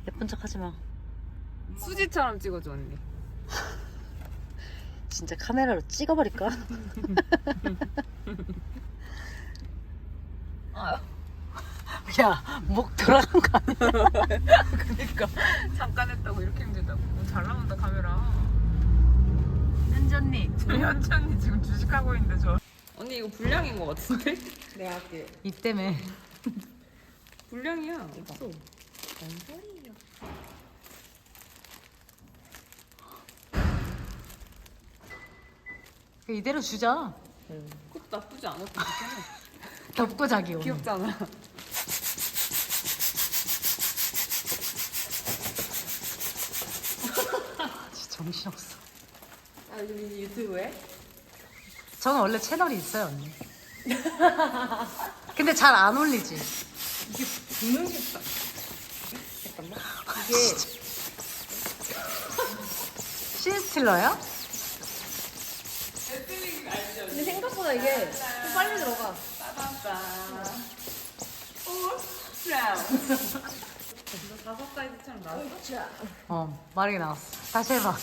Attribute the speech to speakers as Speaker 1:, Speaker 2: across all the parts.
Speaker 1: 예쁜 척 하지 마.
Speaker 2: 수지처럼 찍어줘 언니.
Speaker 1: 진짜 카메라로 찍어버릴까? 야, 목 돌아간 거 아니야?
Speaker 2: 그니까 잠깐 했다고 이렇게 힘들다고. 잘 나온다 카메라.
Speaker 1: 현지 언니.
Speaker 2: 현지 언니 지금 주식하고 있는데 저. 언니 이거 불량인 거 같은데? 내가 할게.
Speaker 1: 이 때문에.
Speaker 2: 불량이야. 없어. 뭔 소리야.
Speaker 1: 이대로 주자.
Speaker 2: 그것도 나쁘지 않았던 것 같아.
Speaker 1: 덮고 자기 오늘.
Speaker 2: 귀엽잖아.
Speaker 1: 진짜 정신없어.
Speaker 2: 아 요즘 유튜브에?
Speaker 1: 저는 원래 채널이 있어요, 언니. 근데 잘 안 올리지.
Speaker 2: 이게 분홍색다. 잠깐만. 이게
Speaker 1: 신스틸러야?
Speaker 3: 근데 생각보다 이게 좀 빨리 들어가.
Speaker 2: 따다다. 오, 브라운. 너 5사이즈처럼 나왔어?
Speaker 1: 어, 마르게 나왔어. 다시 해봐.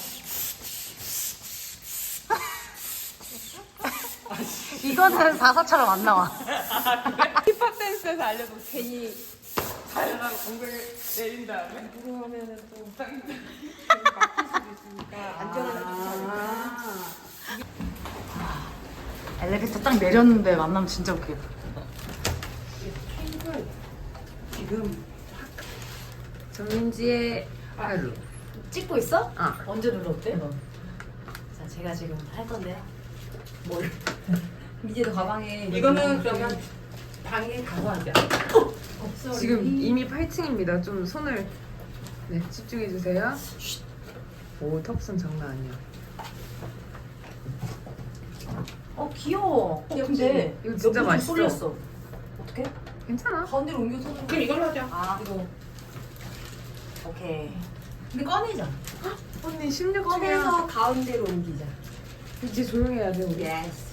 Speaker 1: 이거는 4사처럼 안 나와.
Speaker 2: 힙합 댄스에서 알려줬어.
Speaker 3: 괜히
Speaker 2: 잘하고 공을 내린 다음에.
Speaker 3: 누구 하면은 또
Speaker 2: 막힐 수도 있으니까.
Speaker 3: 안전하게
Speaker 1: 엘리베이터 딱 내렸는데 만나면 진짜 웃기겠다.
Speaker 2: 핑크 지금 정민지의 하루.
Speaker 3: 찍고 있어?
Speaker 2: 아.
Speaker 3: 언제 눌렀대? 자, 제가 지금 할 건데. 뭘? 미제도 가방에
Speaker 2: 이거는 그러면 방에 가서 하자.
Speaker 3: 없어.
Speaker 2: 지금 이미 8층입니다. 좀 손을 네 집중해 주세요. 오 턱선 장난 아니야.
Speaker 3: 귀여워.
Speaker 2: 귀엽지?
Speaker 3: 근데
Speaker 2: 이거 진짜
Speaker 3: 옆으로
Speaker 2: 맛있어.
Speaker 3: 쏠렸어. 어떻게?
Speaker 2: 괜찮아.
Speaker 3: 가운데로 옮겨서.
Speaker 2: 그럼 이걸로 하자.
Speaker 3: 아, 이거. 오케이. 근데 꺼내자.
Speaker 2: 언니 16층이야.
Speaker 3: 꺼내서 가운데로 옮기자.
Speaker 2: 이제 조용해야 돼 우리.
Speaker 3: 예스.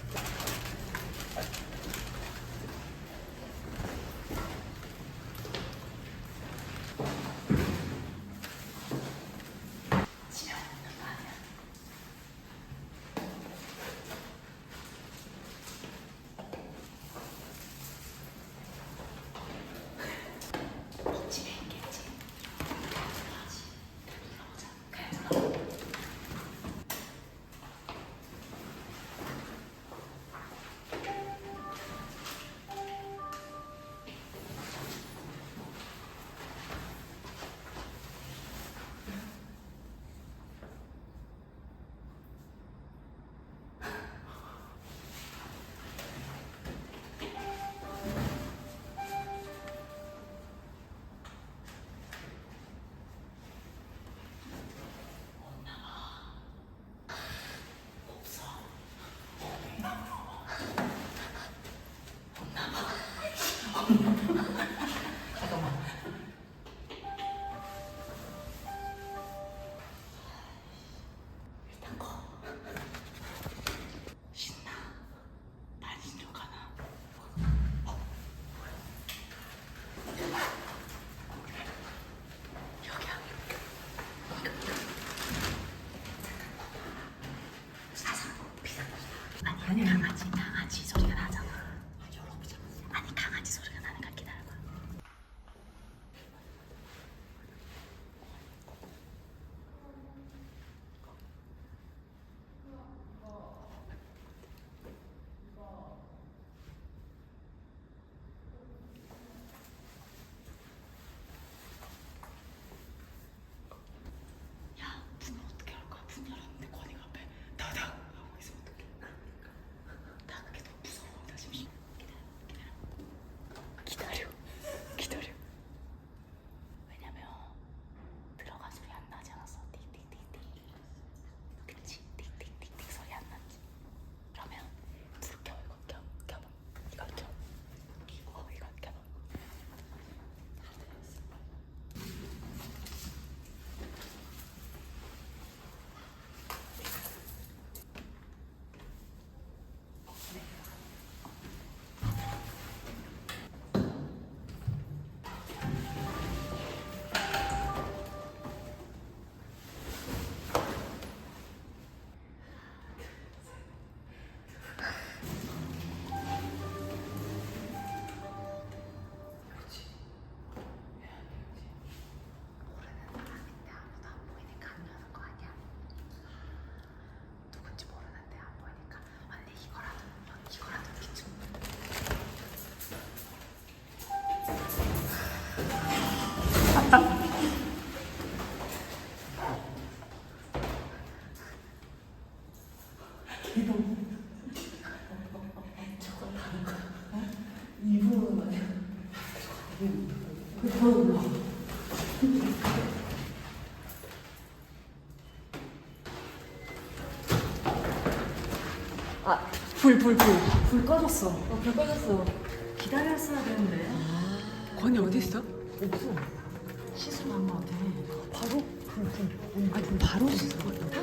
Speaker 3: 불 꺼졌어. 불 꺼졌어. 기다렸어야 되는데.
Speaker 2: 건이 어디 있어?
Speaker 1: 시술 한거 같아.
Speaker 2: 바로 바로 씻을 것 같다.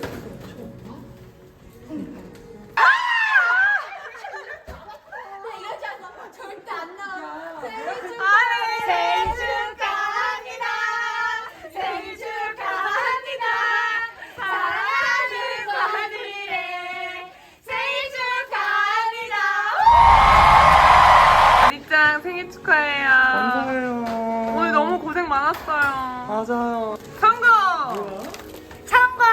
Speaker 3: 절대 안 나와.
Speaker 2: 생일 축하합니다. 생일 축하합니다. 사랑하는 건이의 생일 축하합니다. 리짱 생일 축하해요.
Speaker 4: 감사해요.
Speaker 2: 오늘 너무 고생 많았어요.
Speaker 4: 맞아요.
Speaker 2: 성공!
Speaker 1: 참고!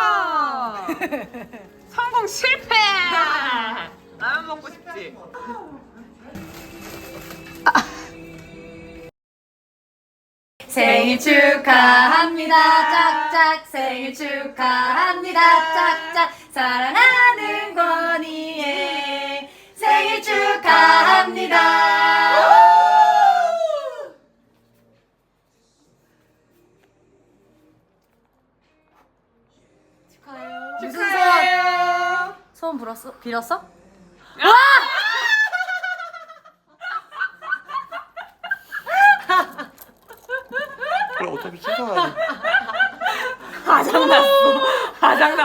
Speaker 2: 성공 실패! 라면 먹고 싶지?
Speaker 3: 생일 축하합니다. 짝짝 생일 축하합니다. 짝짝 사랑하는 권이의 생일 축하합니다. 축하해요.
Speaker 2: 축하해요.
Speaker 1: 소원 빌었어?
Speaker 4: 그럼 어차피 씻어야 돼.
Speaker 2: 화장났어. 화장났어.